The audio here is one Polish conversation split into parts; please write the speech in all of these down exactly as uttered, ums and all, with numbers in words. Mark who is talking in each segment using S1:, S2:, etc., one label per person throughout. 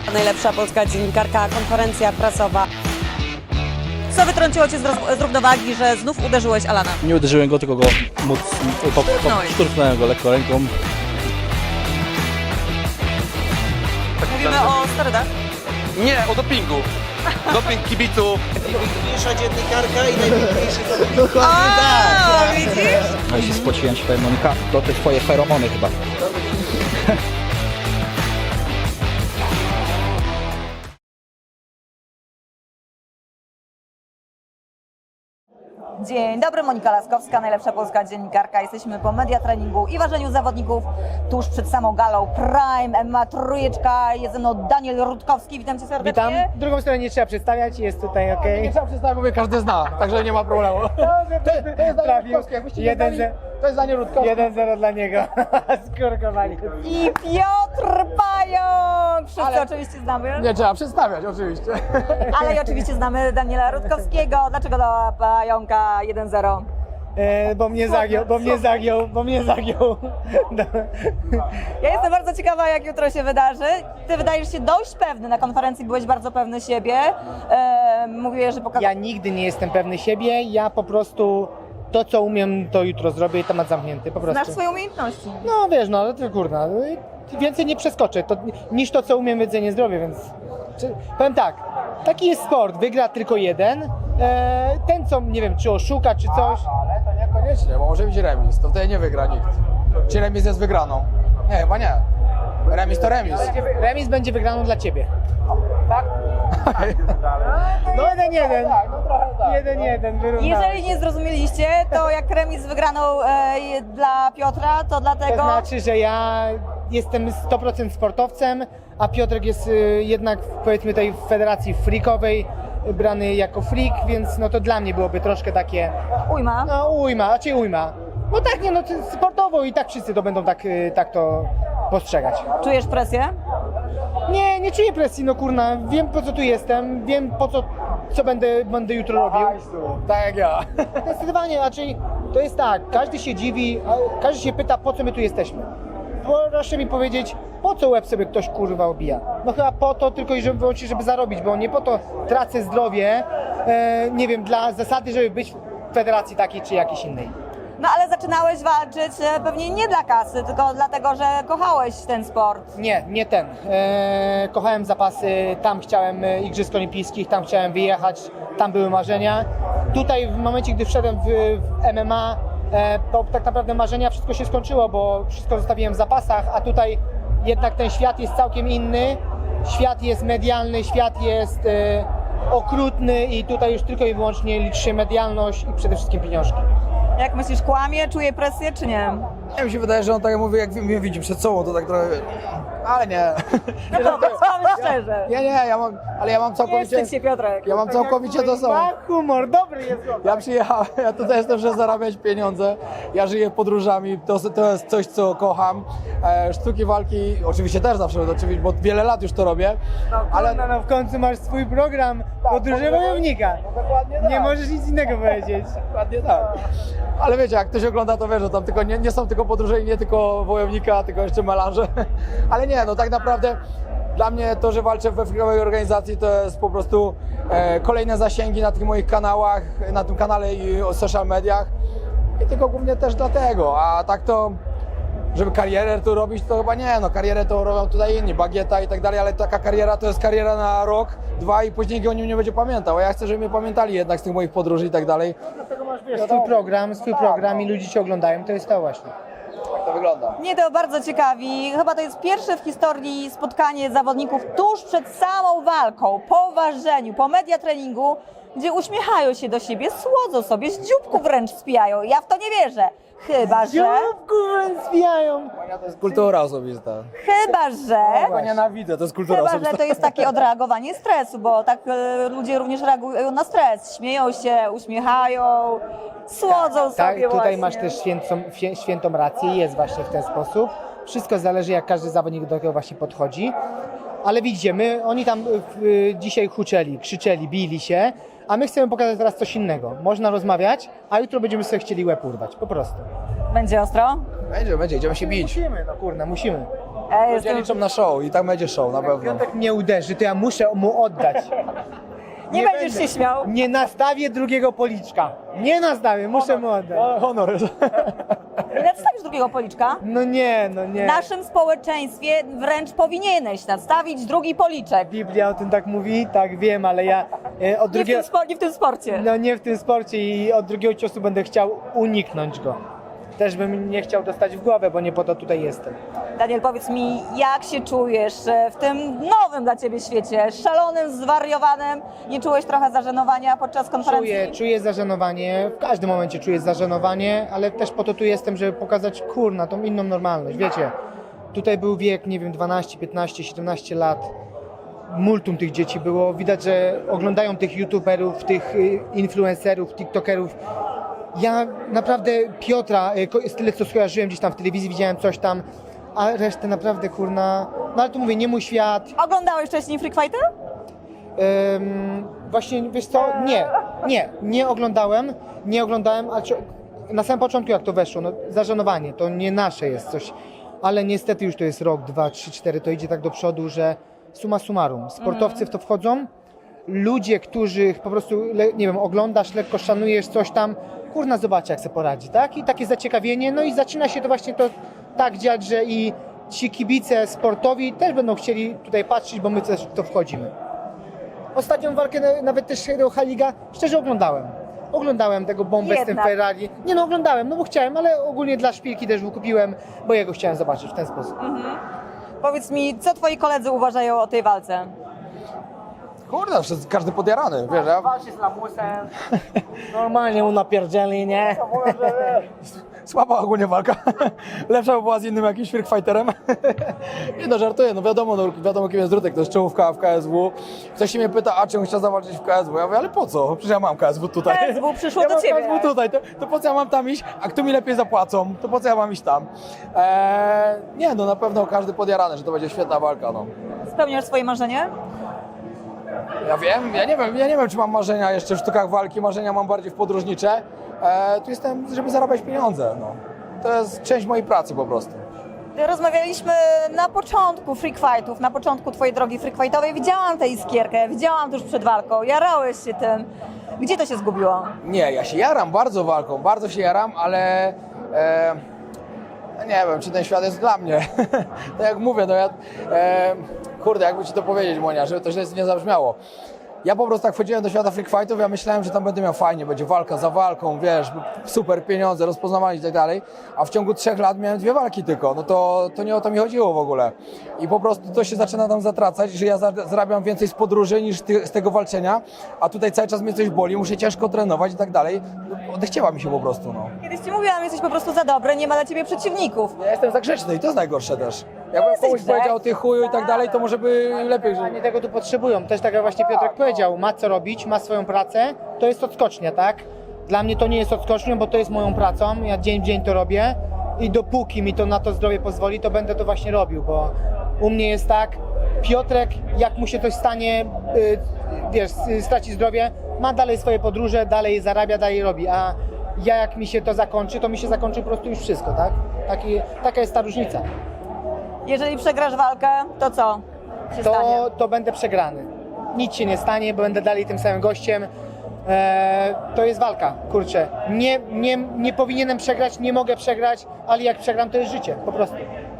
S1: Najlepsza polska dziennikarka, konferencja prasowa. Co wytrąciło Cię z, roz- z równowagi, że znów uderzyłeś Alana?
S2: Nie uderzyłem go, tylko go móc, po, po, szturchnąłem go lekko ręką.
S1: Mówimy o sterydach.
S3: Nie, o dopingu. Doping kibiców.
S4: Najpiękniejsza dziennikarka i najpiękniejszy zawodnik.
S1: O, widzisz?
S5: No i się spociłem się, powiem, Monika, to te twoje feromony chyba.
S6: Dzień dobry, Monika Laskowska, najlepsza polska dziennikarka. Jesteśmy po media treningu i ważeniu zawodników tuż przed samą galą Prime, M M A Trójeczka, jest ze mną Daniel Rutkowski, witam Cię serdecznie.
S7: Witam. Drugą stronę nie trzeba przedstawiać, jest tutaj ok.
S8: Nie trzeba przedstawiać, bo mnie każdy zna, także nie ma problemu. To, to jest Daniel Rutkowski, jakbyście nie znali, to jest Daniel Rutkowski.
S7: jeden zero dla niego. Skorkowali.
S6: I Piotr Pająk, wszyscy
S8: Ale-
S6: oczywiście znamy,
S8: Nie trzeba przedstawiać, oczywiście.
S6: ale i oczywiście znamy Daniela Rutkowskiego. Dlaczego do Pająka jeden zero?
S7: E, bo mnie zagiął, bo mnie zagiął, bo mnie zagiął. No.
S6: Ja jestem bardzo ciekawa, jak jutro się wydarzy. Ty wydajesz się dość pewny, na konferencji byłeś bardzo pewny siebie. E, mówiłeś, że pokazałeś...
S7: Ja nigdy nie jestem pewny siebie, ja po prostu to co umiem to jutro zrobię i temat zamknięty, po prostu.
S6: Znasz swoje umiejętności.
S7: No wiesz, no ale to kurna, więcej nie przeskoczę to, niż to co umiem w jedzenie zdrowie, więc czy, powiem tak, taki jest sport, wygra tylko jeden, e, ten co, nie wiem, czy oszuka, czy coś.
S8: Ale to niekoniecznie, bo może być remis, to wtedy nie wygra nikt. Czy remis jest wygraną? Nie, chyba nie. Remis to remis.
S7: Remis będzie wygraną dla ciebie. Tak? No jeden jeden.
S8: No trochę tak.
S7: Jeden jeden, wyrównamy.
S6: Jeżeli nie zrozumieliście, to jak remis z wygraną e, dla Piotra, to
S7: To
S6: dlatego...
S7: znaczy, że ja jestem sto procent sportowcem, a Piotrek jest y, jednak powiedzmy tej w federacji freakowej y, brany jako freak, więc no to dla mnie byłoby troszkę takie,
S6: Ujma.
S7: no ujma, raczej ujma. No tak, nie no, to sportowo i tak wszyscy to będą tak, y, tak to postrzegać.
S6: Czujesz presję?
S7: Nie, nie czuję presji, no kurna, wiem po co tu jestem, wiem po co, co będę, będę jutro robił.
S8: Tak jak ja.
S7: Zdecydowanie, raczej to jest tak, każdy się dziwi, a każdy się pyta, po co my tu jesteśmy. Proszę mi powiedzieć, po co łeb sobie ktoś kurwa obija? No chyba po to tylko i żeby wyłącznie, żeby zarobić, bo nie po to tracę zdrowie, e, nie wiem, dla zasady, żeby być w federacji takiej czy jakiejś innej.
S6: No ale zaczynałeś walczyć e, pewnie nie dla kasy, tylko dlatego, że kochałeś ten sport.
S7: Nie, nie ten. E, kochałem zapasy, tam chciałem e, Igrzysk Olimpijskich, tam chciałem wyjechać, tam były marzenia. Tutaj w momencie, gdy wszedłem w, w M M A, e, to tak naprawdę marzenia, wszystko się skończyło, bo wszystko zostawiłem w zapasach, a tutaj jednak ten świat jest całkiem inny. Świat jest medialny, świat jest e, okrutny i tutaj już tylko i wyłącznie liczy się medialność i przede wszystkim pieniążki.
S6: Jak myślisz, kłamie, czuje presję czy nie?
S8: Nie, mi się wydaje, że on tak jak mówi, jak mnie widzi przed sobą, to tak trochę... Ale nie.
S6: No powiedz, powiedz szczerze.
S8: Nie, nie, ja mam, ale ja mam
S6: Nie
S8: całkowicie...
S6: wstydź się, Piotrek.
S8: Ja mam całkowicie to samo.
S7: Ma humor, dobry jest chłopak.
S8: Ja przyjechałem, ja tutaj jestem, żeby zarabiać pieniądze. Ja żyję podróżami, to, to jest coś, co kocham. E, sztuki walki, oczywiście też zawsze, oczywiście, bo wiele lat już to robię.
S7: Ale no, no w końcu masz swój program podróży wojownika.
S8: Dokładnie tak.
S7: Nie możesz nic innego powiedzieć.
S8: Dokładnie tak. Ale wiecie, jak ktoś ogląda, to wie, że tam tylko nie, nie są tylko podróże i nie tylko wojownika, tylko jeszcze melanże. Ale nie, no tak naprawdę dla mnie to, że walczę we freakowej organizacji, to jest po prostu e, kolejne zasięgi na tych moich kanałach, na tym kanale i o social mediach. I tylko głównie też dlatego, a tak to, żeby karierę tu robić, to chyba nie, no karierę to robią tutaj inni, Bagieta i tak dalej, ale taka kariera to jest kariera na rok, dwa i później nikt o nim nie będzie pamiętał, a ja chcę, żeby mnie pamiętali jednak z tych moich podróży i tak dalej.
S7: Wiesz, swój program, swój program i ludzie cię oglądają, to jest to właśnie.
S8: Tak to wygląda.
S6: Mnie to bardzo ciekawi. Chyba to jest pierwsze w historii spotkanie zawodników tuż przed samą walką, po ważeniu, po media treningu, gdzie uśmiechają się do siebie, słodzą sobie, z dzióbku wręcz spijają. Ja w to nie wierzę. Chyba, że...
S7: Dzióbku zwijają.
S8: To jest kultura osobista.
S6: Chyba, że...
S8: Ja nienawidzę, to jest kultura
S6: Chyba,
S8: osobista.
S6: że to jest takie odreagowanie stresu, bo tak e, ludzie również reagują na stres. Śmieją się, uśmiechają, słodzą
S7: Tak,
S6: sobie
S7: tutaj
S6: właśnie.
S7: masz też świętą, świę- świętą rację, jest właśnie w ten sposób. Wszystko zależy, jak każdy zawodnik do tego właśnie podchodzi. Ale widzicie, my, oni tam y, dzisiaj huczeli, krzyczeli, bili się, a my chcemy pokazać teraz coś innego. Można rozmawiać, a jutro będziemy sobie chcieli łeb urwać, po prostu.
S6: Będzie ostro?
S8: Będzie, będzie, idziemy się bić.
S7: Musimy, no kurna, musimy.
S6: Ja
S8: Ludzie
S6: jestem...
S8: liczą na show i tak będzie show, na pewno.
S7: Piotrek mnie uderzy, to ja muszę mu oddać.
S6: Nie będziesz się śmiał.
S7: Nie nastawię drugiego policzka. Nie nastawię, muszę mu oddać.
S8: O, honor.
S6: Nadstawisz drugiego policzka?
S7: No nie, no nie.
S6: W naszym społeczeństwie wręcz powinieneś nadstawić drugi policzek.
S7: Biblia o tym tak mówi, tak wiem, ale ja e, od
S6: Nie w,
S7: drugiego...
S6: tym spo, nie w tym sporcie.
S7: No nie w tym sporcie i od drugiego ciosu będę chciał uniknąć go. Też bym nie chciał dostać w głowę, bo nie po to tutaj jestem.
S6: Daniel, powiedz mi, jak się czujesz e, w tym nowym dla Ciebie świecie, szalonym, zwariowanym? Nie czułeś trochę zażenowania podczas konferencji?
S7: Czuję, czuję zażenowanie, w każdym momencie czuję zażenowanie, ale też po to tu jestem, żeby pokazać, kurna, tą inną normalność. Wiecie, tutaj był wiek, nie wiem, dwanaście, piętnaście, siedemnaście lat. Multum tych dzieci było. Widać, że oglądają tych youtuberów, tych y, influencerów, tiktokerów. Ja naprawdę Piotra, y, ko- z tyle co skojarzyłem gdzieś tam w telewizji, widziałem coś tam, a resztę naprawdę, kurna, no ale tu mówię, nie mój świat.
S6: Oglądałeś wcześniej Freak Fighty?
S7: Ym, właśnie, wiesz co, nie, nie, nie oglądałem, nie oglądałem, a czy, na samym początku jak to weszło, no zażenowanie, to nie nasze jest coś, ale niestety już to jest rok, dwa, trzy, cztery, to idzie tak do przodu, że summa summarum, sportowcy w to wchodzą, ludzie, których po prostu, le, nie wiem, oglądasz, lekko szanujesz coś tam, kurna, zobacz jak sobie poradzi, tak? I takie zaciekawienie, no i zaczyna się to właśnie to tak dziać, że i ci kibice sportowi też będą chcieli tutaj patrzeć, bo my też w to wchodzimy. Ostatnią walkę, na- nawet też Hero Haliga, szczerze oglądałem. Oglądałem tego bombę z tym
S6: Jednak.
S7: Ferrari. Nie no, oglądałem, no bo chciałem, ale ogólnie dla szpilki też wykupiłem, bo jego chciałem zobaczyć w ten sposób.
S6: Powiedz mi, co Twoi koledzy uważają o tej walce?
S8: Kurde, wszyscy- każdy podjarany, wiesz, ja
S7: Walczy z lamusem, normalnie mu napierdzieli, nie?
S8: słaba ogólnie walka. Lepsza by była z innym jakimś freak fighterem. Nie no, żartuję, no wiadomo, no, wiadomo kim jest Drutek, to jest czołówka w K S W. Ktoś się mnie pyta, a czemu chciał zawalczyć w K S W? Ja mówię, ale po co? Przecież ja mam K S W tutaj.
S6: K S W przyszło
S8: ja
S6: do
S8: mam
S6: ciebie.
S8: K S W tutaj, to, to po co ja mam tam iść? A kto mi lepiej zapłacą? To po co ja mam iść tam? Eee, nie no, na pewno każdy podjarany, że to będzie świetna walka, no.
S6: Spełniasz swoje marzenie?
S8: Ja wiem, ja nie wiem, ja nie wiem, czy mam marzenia jeszcze w sztukach walki, marzenia mam bardziej w podróżnicze. E, tu jestem, żeby zarabiać pieniądze, no. To jest część mojej pracy po prostu.
S6: Rozmawialiśmy na początku freak fightów, na początku Twojej drogi freak fightowej. Widziałam tę iskierkę, widziałam tuż przed walką, jarałeś się tym. Gdzie to się zgubiło?
S8: Nie, ja się jaram bardzo walką, bardzo się jaram, ale e, no nie wiem, czy ten świat jest dla mnie. Tak jak mówię, no ja, e, kurde, jakby ci to powiedzieć, Monia, żeby to źle nie zabrzmiało. Ja po prostu tak wchodziłem do świata freak fightów, ja myślałem, że tam będę miał fajnie, będzie walka za walką, wiesz, super pieniądze, rozpoznawanie i tak dalej, a w ciągu trzech lat miałem dwie walki tylko, no to, to nie o to mi chodziło w ogóle. I po prostu to się zaczyna tam zatracać, że ja za- zarabiam więcej z podróży niż ty, z tego walczenia, a tutaj cały czas mnie coś boli, muszę ciężko trenować i tak dalej. No, odechciała mi się po prostu, no.
S6: Kiedyś Ci mówiłam, jesteś po prostu za dobry, nie ma dla Ciebie przeciwników.
S8: Ja jestem za grzeczny i to jest najgorsze też. Jakbym
S6: jesteś
S8: komuś powiedział
S6: grzeczny.
S8: ty chuju i tak dalej, to może by lepiej, że...
S7: Oni tego tu potrzebują. Też tak jak właśnie Piotrek powiedział, ma co robić, ma swoją pracę, to jest odskocznia, tak? Dla mnie to nie jest odskocznią, bo to jest moją pracą, ja dzień w dzień to robię i dopóki mi to na to zdrowie pozwoli, to będę to właśnie robił, bo u mnie jest tak, Piotrek, jak mu się coś stanie, y, wiesz, y, straci zdrowie, ma dalej swoje podróże, dalej zarabia, dalej robi, a ja jak mi się to zakończy, to mi się zakończy po prostu już wszystko, tak? Taki, taka jest ta różnica.
S6: Jeżeli przegrasz walkę, to co się stanie?
S7: to, to będę przegrany. Nic się nie stanie, bo będę dalej tym samym gościem. Eee, to jest walka, kurczę. Nie, nie, nie powinienem przegrać, nie mogę przegrać, ale jak przegram, to jest życie, po prostu.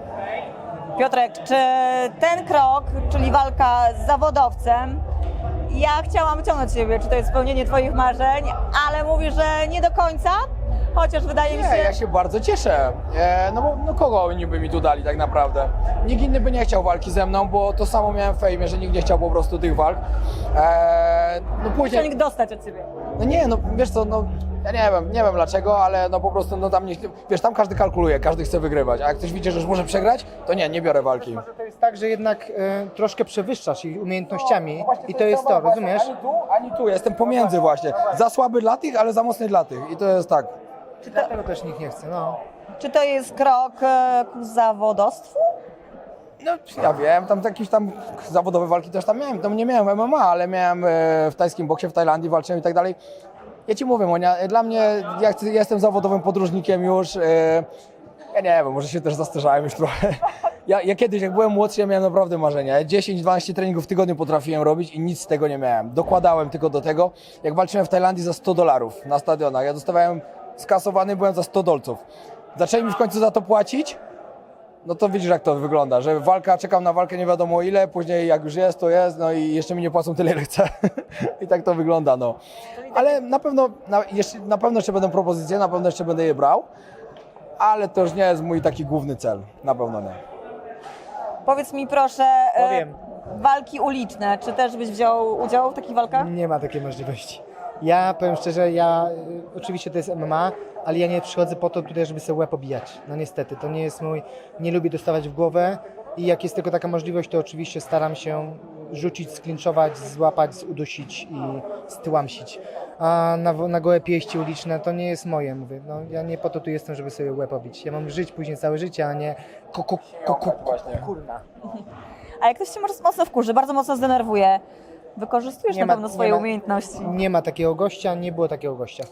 S6: Piotrek, czy ten krok, czyli walka z zawodowcem, ja chciałam wyciągnąć Ciebie, czy to jest spełnienie Twoich marzeń, ale mówisz, że nie do końca, chociaż wydaje mi się...
S8: Nie, ja się bardzo cieszę. E, no bo no kogo oni by mi tu dali tak naprawdę? Nikt inny by nie chciał walki ze mną, bo to samo miałem w fejmie, że nikt nie chciał po prostu tych walk. E, no później...
S6: Chciał dostać od Ciebie.
S8: No nie, no wiesz co, no ja nie wiem, nie wiem dlaczego, ale no po prostu no tam nie... Wiesz, tam każdy kalkuluje, każdy chce wygrywać, a jak ktoś widzi, że już może przegrać, to nie, nie biorę walki.
S7: Może to jest tak, że jednak e, troszkę przewyższasz ich umiejętnościami i to jest to, rozumiesz?
S8: Ani tu, ani tu, jestem pomiędzy właśnie. Za słaby dla tych, ale za mocny dla tych i to jest tak.
S7: Dlatego też nikt nie chce, no.
S6: Czy to jest krok e, ku zawodowstwu?
S8: No, ja wiem, tam jakieś tam zawodowe walki też tam miałem, tam nie miałem M M A, ale miałem e, w tajskim boksie w Tajlandii, walczyłem i tak dalej. Ja ci mówię, Monia, dla mnie, ja, chcę, ja jestem zawodowym podróżnikiem już, e, ja nie wiem, może się też zastarzałem już trochę. ja, ja kiedyś, jak byłem młodszy, ja miałem naprawdę marzenia. Ja dziesięć dwanaście treningów w tygodniu potrafiłem robić i nic z tego nie miałem. Dokładałem tylko do tego, jak walczyłem w Tajlandii za sto dolarów na stadionach. Ja dostawałem skasowany, byłem za sto dolców. Zaczęli mi w końcu za to płacić, no to widzisz, jak to wygląda, że walka, czekam na walkę nie wiadomo ile, później jak już jest, to jest, no i jeszcze mi nie płacą tyle, ile chcę. I tak to wygląda, no. Ale na pewno, na, jeszcze, na pewno jeszcze będą propozycje, na pewno jeszcze będę je brał, ale to już nie jest mój taki główny cel, na pewno nie.
S6: Powiedz mi proszę, e,
S7: Powiem.
S6: walki uliczne, czy też byś wziął udział w takich walkach?
S7: Nie ma takiej możliwości. Ja powiem szczerze, ja y, oczywiście to jest M M A, ale ja nie przychodzę po to tutaj, żeby sobie łeb obijać. No niestety, to nie jest mój, nie lubię dostawać w głowę i jak jest tylko taka możliwość, to oczywiście staram się rzucić, sklinczować, złapać, udusić i styłamsić. A na, na gołe pięści uliczne to nie jest moje, mówię. No, ja nie po to tu jestem, żeby sobie łeb obić. Ja mam żyć później całe życie, a nie ko, ko, ko, ko, ko, kurna.
S6: A jak ktoś cię może mocno wkurzy, bardzo mocno zdenerwuje, wykorzystujesz
S7: Nie
S6: na
S7: ma-
S6: pewno
S7: nie
S6: swoje
S7: ma-
S6: umiejętności.
S7: Nie ma takiego gościa, nie było takiego gościa.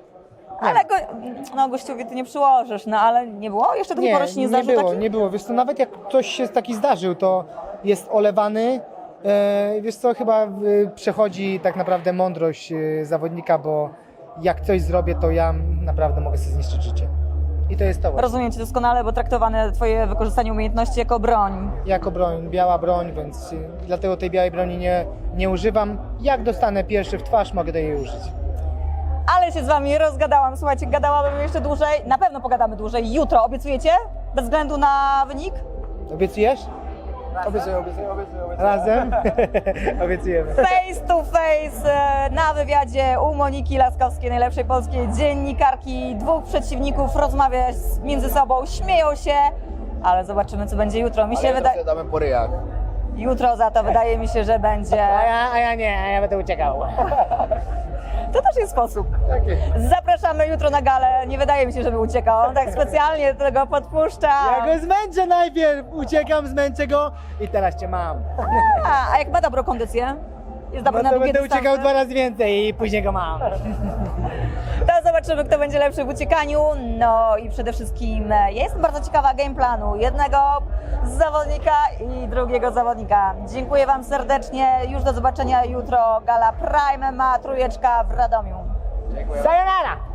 S6: Ale go, no gościowi ty nie przyłożysz, no ale nie było? Jeszcze do tej pory się nie zdarzył
S7: było,
S6: taki?
S7: nie było. Wiesz co, nawet jak ktoś się taki zdarzył, to jest olewany. E, wiesz co, chyba e, przechodzi tak naprawdę mądrość e, zawodnika, bo jak coś zrobię, to ja naprawdę mogę sobie zniszczyć życie. I to jest to właśnie.
S6: Rozumiem cię doskonale, bo traktowane twoje wykorzystanie umiejętności jako broń.
S7: Jako broń, biała broń, więc e, dlatego tej białej broni nie, nie używam. Jak dostanę pierwszy w twarz, mogę do jej użyć.
S6: Ale się z wami rozgadałam, słuchajcie, gadałabym jeszcze dłużej, na pewno pogadamy dłużej. Jutro, obiecujecie? Bez względu na wynik?
S7: Obiecujesz?
S8: Obiecuję, obiecuję, obiecuję, obiecuję.
S7: Razem? Obiecujemy.
S6: Face to face e, na wywiadzie u Moniki Laskowskiej, najlepszej polskiej dziennikarki. Dwóch przeciwników rozmawia z- między sobą, śmieją się, ale zobaczymy, co będzie jutro. Mi się
S8: Ale
S6: wydaje,
S8: to sobie damy po ryjach.
S6: jutro za to wydaje mi się, że będzie.
S7: A ja, a ja nie, a ja będę uciekał.
S6: To też jest sposób. Zapraszamy jutro na galę. Nie wydaje mi się, żeby uciekał. On tak specjalnie tego podpuszcza.
S7: Ja go zmęczę najpierw, uciekam, zmęczę go i teraz cię mam.
S6: A, a jak ma dobrą kondycję? Jest dobry
S7: No
S6: na
S7: to
S6: długie
S7: będę uciekał
S6: dystanse?
S7: dwa razy więcej i później go mam.
S6: To zobaczymy, kto będzie lepszy w uciekaniu. No i przede wszystkim e, ja jestem bardzo ciekawa game planu jednego zawodnika i drugiego zawodnika. Dziękuję wam serdecznie. Już do zobaczenia jutro. Gala Prime M M A, trójeczka w Radomiu.
S7: Sayonara!